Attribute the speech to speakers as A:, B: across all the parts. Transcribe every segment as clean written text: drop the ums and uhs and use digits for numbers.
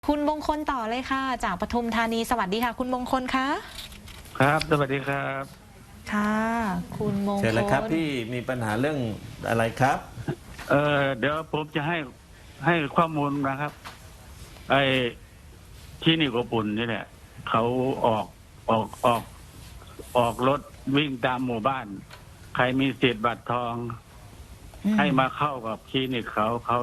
A: คุณมงคลต่อเลยค่ะจากปทุมธานีสวัสดีค่ะคุณมงคลคะ
B: ครับสวัสดีครับ
A: ค่ะคุณมง
C: เชิญ
A: ค
C: เลยครับ
A: ล
C: พี่มีปัญหาเรื่องอะไรครับ
B: เดี๋ยวผมจะให้ข้อมูลนะครับไอ้ที่นี่กปุ่นนี่แหละเขาออกออกออกออกรถวิ่งตามหมู่บ้านใครมีสิทธิ์บัตรทองให้มาเข้ากับคลินิกเขา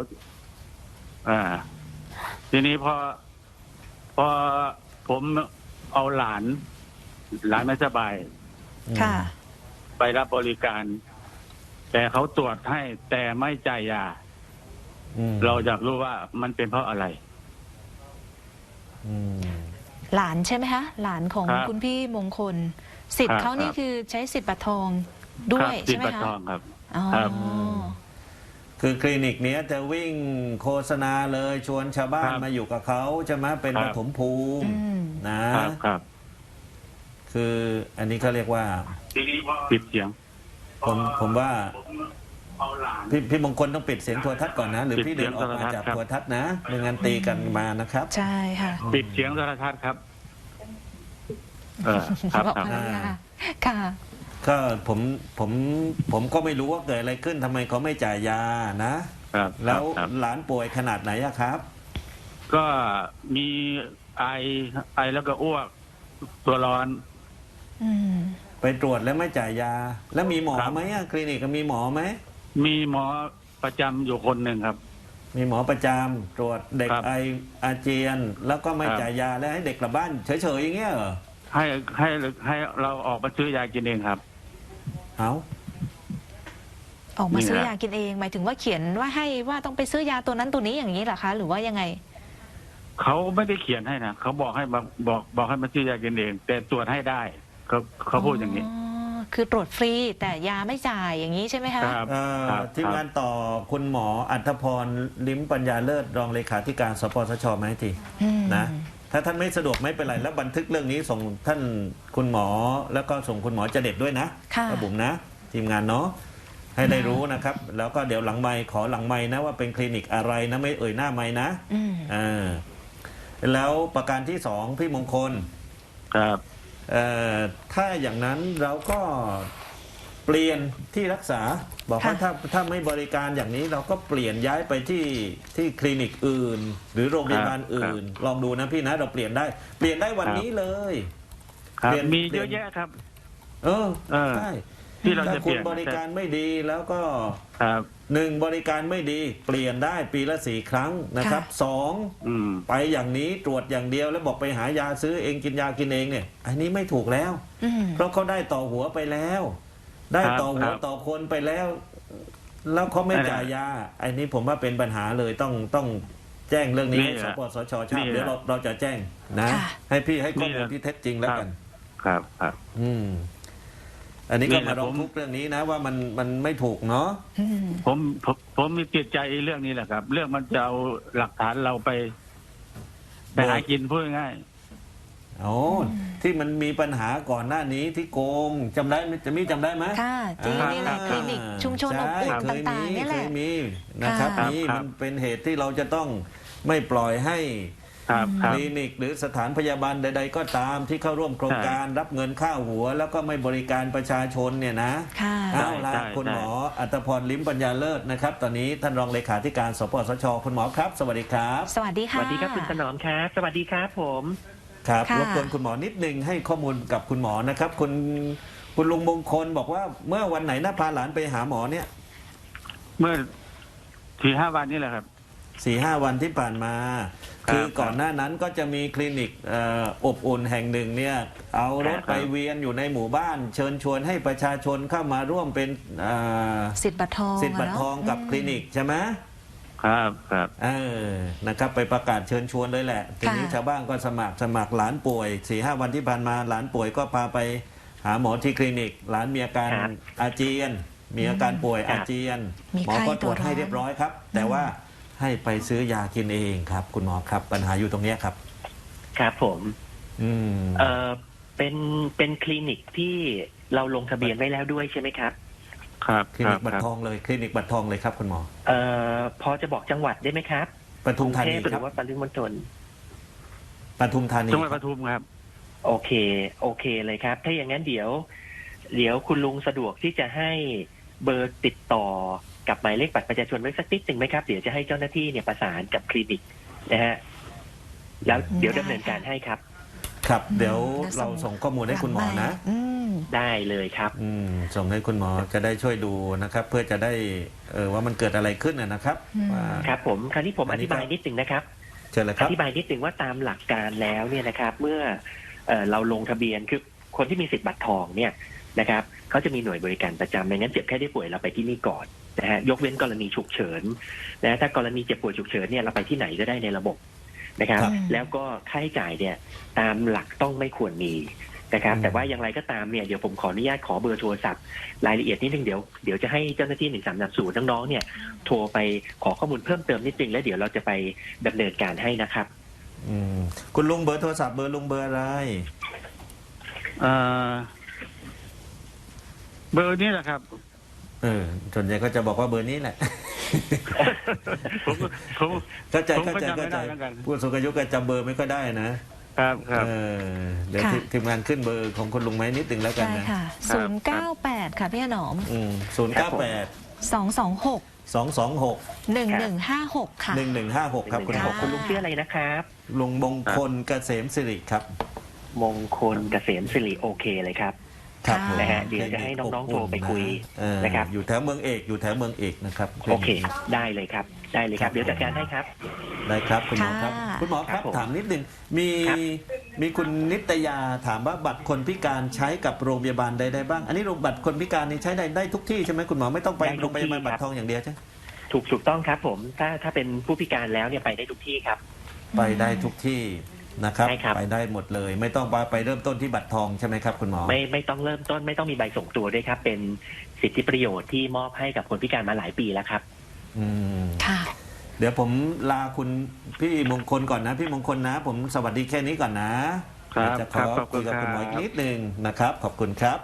B: ทีนี้พอผมเอาหลานไม่สบาย
A: ค่ะ
B: ไปรับบริการ แต่เขาตรวจให้แต่ไม่จ่ายยาเราอยากรู้ว่ามันเป็นเพราะอะไร
A: หลานใช่ไหมคะหลานของคุณพี่มงคลสิทธิ์เขานี่คือใช้สิทธิ์บัตรทองด้วยใช่ไหมคะ
B: สิทธิ์บัตรทองครับ
C: คือคลินิกเนี้ยจะวิ่งโฆษณาเลยชวนชาวบ้านมาอยู่กับเขาจะมาเป็นปฐมภูมิ
B: นะครับ
C: คืออันนี้เขาเรียกว่า
B: ปิดเสียง
C: ผมว่าพี่มงคลต้องปิดเสียงโทรทัศน์ก่อนนะหรือพี่เดินออกมาจากโทรทัศน์นะไม่งั้นตีกันมานะครับ
A: ใช่ค่ะ
B: ปิดเสียงโทรทัศน์ครับ
A: บอกภรรยาค่ะ
C: ก็ผมก็ไม่รู้ว่าเกิดอะไรขึ้นทำไมเขาไม่จ่ายยานะแล้วหลานป่วยขนาดไหนอะครับ
B: ก็มีไอแล้วก็อ้วกตัวร้อน
C: ไปตรวจแล้วไม่จ่ายยาแล้วมีหมอไหมอะคลินิกมีหมอไหม
B: มีหมอประจำอยู่คนหนึ่งครับ
C: มีหมอประจำตรวจเด็กไออาเจียนแล้วก็ไม่จ่ายยาแล้วให้เด็กกลับบ้านเฉยๆอย่างเงี้ยเหรอ
B: ให้เราออกมาซื้อยากินเองครับ
C: เอา
A: ออกมาซื้อยากินเองหมายถึงว่าเขียนว่าให้ว่าต้องไปซื้อยาตัวนั้นตัวนี้อย่างนี้เหรอคะหรือว่ายังไง
B: เขาไม่ได้เขียนให้นะเขาบอกให้บอกให้มาซื้อยากินเองแต่ตรวจให้ได้เขาพูดอย่างนี้
A: คือตรวจฟรีแต่ยาไม่จ่ายอย่างนี้ใช่ไหมคะ
C: ทีมงานต่อคุณหมออัธพรลิ้มปัญญาเลิศรองเลขาธิการสปสชไหมทีนะถ้าท่านไม่สะดวกไม่เป็นไรแล้วบันทึกเรื่องนี้ส่งท่านคุณหมอแล้วก็ส่งคุณหมอเจเด็ดด้วยนะระบุนะทีมงานเนาะให้ได้รู้นะครับแล้วก็เดี๋ยวหลังไมค์ขอหลังไมค์นะว่าเป็นคลินิกอะไรนะไม่เอ่ยหน้าไมค์นะแล้วประการที่สองพี่มงคล
B: ครับ
C: ถ้าอย่างนั้นเราก็เปลี่ยนที่รักษาบอกว่าถ้าไม่บริการอย่างนี้เราก็เปลี่ยนย้ายไปที่คลินิกอื่นหรือโรงพยาบาลอื่นลองดูนะพี่นะเราเปลี่ยนได้วันนี้เลย
B: มีเยอะแยะครับ
C: ใช่
B: ที่เราจะ
C: เปลี่ยนบริการไม่ดีแล้วก็หนึ่งบริการไม่ดีเปลี่ยนได้ปีละ4 ครั้งนะครับ2ไปอย่างนี้ตรวจอย่างเดียวแล้วบอกไปหายาซื้อเองกินยากินเองเนี่ยอันนี้ไม่ถูกแล้วเพราะเขาได้ต่อหัวไปแล้วได้ต่อหัวต่อคนไปแล้วเขาไม่จ่ายยาอันนี้ผมว่าเป็นปัญหาเลยต้องแจ้งเรื่องนี้ให้สปสชทราบเดี๋ยวเราจะแจ้งนะให้พี่ให้ข้อมูลที่เท็จจริงแล้วกัน
B: ครับ
C: อันนี้ก็มาร้องทุกข์เรื่องนี้นะว่ามันไม่ถูกเนาะ
B: ผมมีติดใจเรื่องนี้แหละครับเรื่องมันจะเอาหลักฐานเราไปหากินพูดง่าย
C: ที่มันมีปัญหาก่อนหน้านี้ที่โกงจำได้ไหม
A: ค่ะจริงนี่แหละคลินิกชุมชนอบอุ่นต่างๆนี่แหละ
C: มีนะครับนี่มันเป็นเหตุที่เราจะต้องไม่ปล่อยให้คลินิกหรือสถานพยาบาลใดๆก็ตามที่เข้าร่วมโครงการรับเงินค่าหัวแล้วก็ไม่บริการประชาชนเนี่ยนะเอาละคุณหมออัตพรลิ้มปัญญาเลิศนะครับตอนนี้ท่านรองเลขาธิการสปสชคุณหมอครับสวัสดีครับ
A: สวัสดีค่ะ
D: สวัสดีครับคุณถนอมครับสวัสดีครับผม
C: ครับรบกวนคุณหมอนิดนึงให้ข้อมูลกับคุณหมอนะครับคุณลุงมงคลบอกว่าเมื่อวันไหนนะพาหลานไปหาหมอเนี่ย
B: เมื่อ4-5 วันนี้แหละครับ
C: 4-5 วันที่ผ่านมาคือก่อนหน้านั้นก็จะมีคลินิกอบอุ่นแห่งหนึ่งเนี่ยเอารถไปเวียนอยู่ในหมู่บ้านเชิญชวนให้ประชาชนเข้ามาร่วมเป็น
A: สิทธิ์บัตรทอง
C: กับคลินิกใช่ไหม
B: ครับ
C: นะครับไปประกาศเชิญชวนเลยแหละทีนี้ชาวบ้านก็สมัครหลานป่วย 4-5 วันที่ผ่านมาหลานป่วยก็พาไปหาหมอที่คลินิกหลานมีอาการอาเจียนมีอาการป่วยอาเจียนหมอก็ตรวจให้เรียบร้อยครับแต่ว่าให้ไปซื้อยากินเองครับคุณหมอครับปัญหาอยู่ตรงนี้ครับ
D: ครับผมเป็นคลินิกที่เราลงทะเบียนไว้แล้วด้วยใช่ไหมครับ
B: ครับ
C: คลินิกบัตรทองเลยคลินิกบัตรทองเลยครับคุณหมอ
D: พอจะบอกจังหวัดได้ไหมครับ
C: ปทุมธานี
D: หรือว่าปริมณฑล
C: ปทุมธานี
B: จังหวัดปทุมครับ
D: โอเคเลยครับ ถ้าอย่างนั้นเดี๋ยวคุณลุงสะดวกที่จะให้เบอร์ติดต่อกับหมายเลขบัตรประชาชนไว้สักนิดหนึ่งไหมครับเดี๋ยวจะให้เจ้าหน้าที่เนี่ยประสานกับคลินิกนะฮะแล้วเดี๋ยวดำเนินการให้ครับ
C: ครับ เดี๋ยว
A: แล้วส่
C: เรา
A: ง
C: ส่งข้อมูลให้คุณหมอนะ
D: ได้เลยครับ
C: ส่งให้คุณหมอจะได้ช่วยดูนะครับ เพื่อจะได้ว่ามันเกิดอะไรขึ้นนะครับ
A: อืม
C: ว่า
D: ครับผมคราวนี้ผม
C: อั
D: อน
C: นี้
D: ธิบายนิดหนึ่งนะครับ
C: เชิญเลยค
D: อ
C: รับ
D: ธิบายนิดหนึ่งว่าตามหลักการแล้วเนี่ยนะครับ เมื่อเราลงทะเบียนคือคนที่มีสิทธิ์บัตรทองเนี่ยนะครับเขาจะมีหน่วยบริการประจำไม่งั้นเจ็บแค่ได้ป่วยเราไปที่นี่ก่อนนะฮะยกเว้นกรณีฉุกเฉินนะถ้ากรณีเจ็บป่วยฉุกเฉินเนี่ยเราไปที่ไหนก็ได้ในระบบนะครับ
C: ครับ
D: แล้วก็ค่าใช้จ่ายเนี่ยตามหลักต้องไม่ควรมีนะครับ แต่ว่าอย่างไรก็ตามเนี่ยเดี๋ยวผมขออนุญาตขอเบอร์โทรศัพท์รายละเอียดนิดนึงเดี๋ยวจะให้เจ้าหน้าที่1330น้องๆเนี่ยโทรไปขอข้อมูลเพิ่มเติมนิดนึงแล้วเดี๋ยวเราจะไปดำเนินการให้นะครับ
C: คุณลุงเบอร์โทรศัพท์เบอร์ลุงเบอร์อะไร
B: เบอร์นี้แหละครับ
C: ส่วนใหญ่ก็จะบอกว่าเบอร์นี้แหละ
B: ผม
C: เข้าใจ
B: ผมก็
C: เข้าใจ
B: จำไม่
C: เข้าใจ
B: ได้เหมือนกัน
C: ผู้สูงอายุก็จำเบอร์ไม่ค่อยได้นะครับ เดี๋ยว
A: ค่ะ
C: ทีมงานขึ้นเบอร์ของคุณลุงไหมนิดหนึ่งแล้วกัน
A: ได้
C: นะ
A: ค่ะ 098 ค่ะพี่หนอม
C: 098
A: 226
C: 226
A: 1156 ค่ะ
C: 1156 ครับคุณหมอ
D: คุณลุงชื่ออะไรนะครับ
C: ลุงมงคลเกษมสิริครับ
D: มงคลเกษมสิริโอเคเลยครับ
C: ครับผม
D: นะฮะเดี๋ยวจะให้น้องๆโทรไปคุย นะครับ
C: อยู่แถวเมืองเอกนะครับ
D: โอเค ได้เลยครับ ได้เลยครับ เดี๋ยวจัดการให้ครับ
C: ได้ครับคุณหมอครับ
A: ค่ะ
C: คุณหมอครับ
D: ครับผม
C: ถามนิดหนึ่งมี
D: ครับ
C: มีคุณนิตยาถามว่าบัตรคนพิการใช้กับโรงพยาบาลใดๆบ้าง อันนี้โรงบัตรคนพิการนี่ใช้ได้ทุกที่ใช่ไหมคุณหมอไม่ต้องไปโรงพยาบาลบัตรทองอย่างเดียวใช่ไหม
D: ถูกต้องครับผม ถ้าเป็นผู้พิการแล้วเนี่ยไปได้ทุกที่ครับ
C: ไปได้ทุกที่นะครับ
D: ใช่ครับ
C: ไปได้หมดเลย ไม่ต้องไปเริ่มต้นที่บัตรทองใช่ไหมครับคุณหมอ
D: ไม่ต้องเริ่มต้นไม่ต้องมีใบส่งตัวด้วยครับ เป็นสิทธิประโยชน์ที่มอบให้กับคนพิการมาหลายปีแล้วครับ
C: อืม
A: ค่ะ
C: เดี๋ยวผมลาคุณพี่มงคลก่อนนะพี่มงคลนะ ผมสวัสดีแค่นี้ก่อนนะครับ จะข
B: ครั
C: อบ
B: ขอบคุ
C: คุย
B: ณ
C: กับ
B: ครับ
C: คุณหมออีกนิดนึงนะครับ ขอบคุณครับ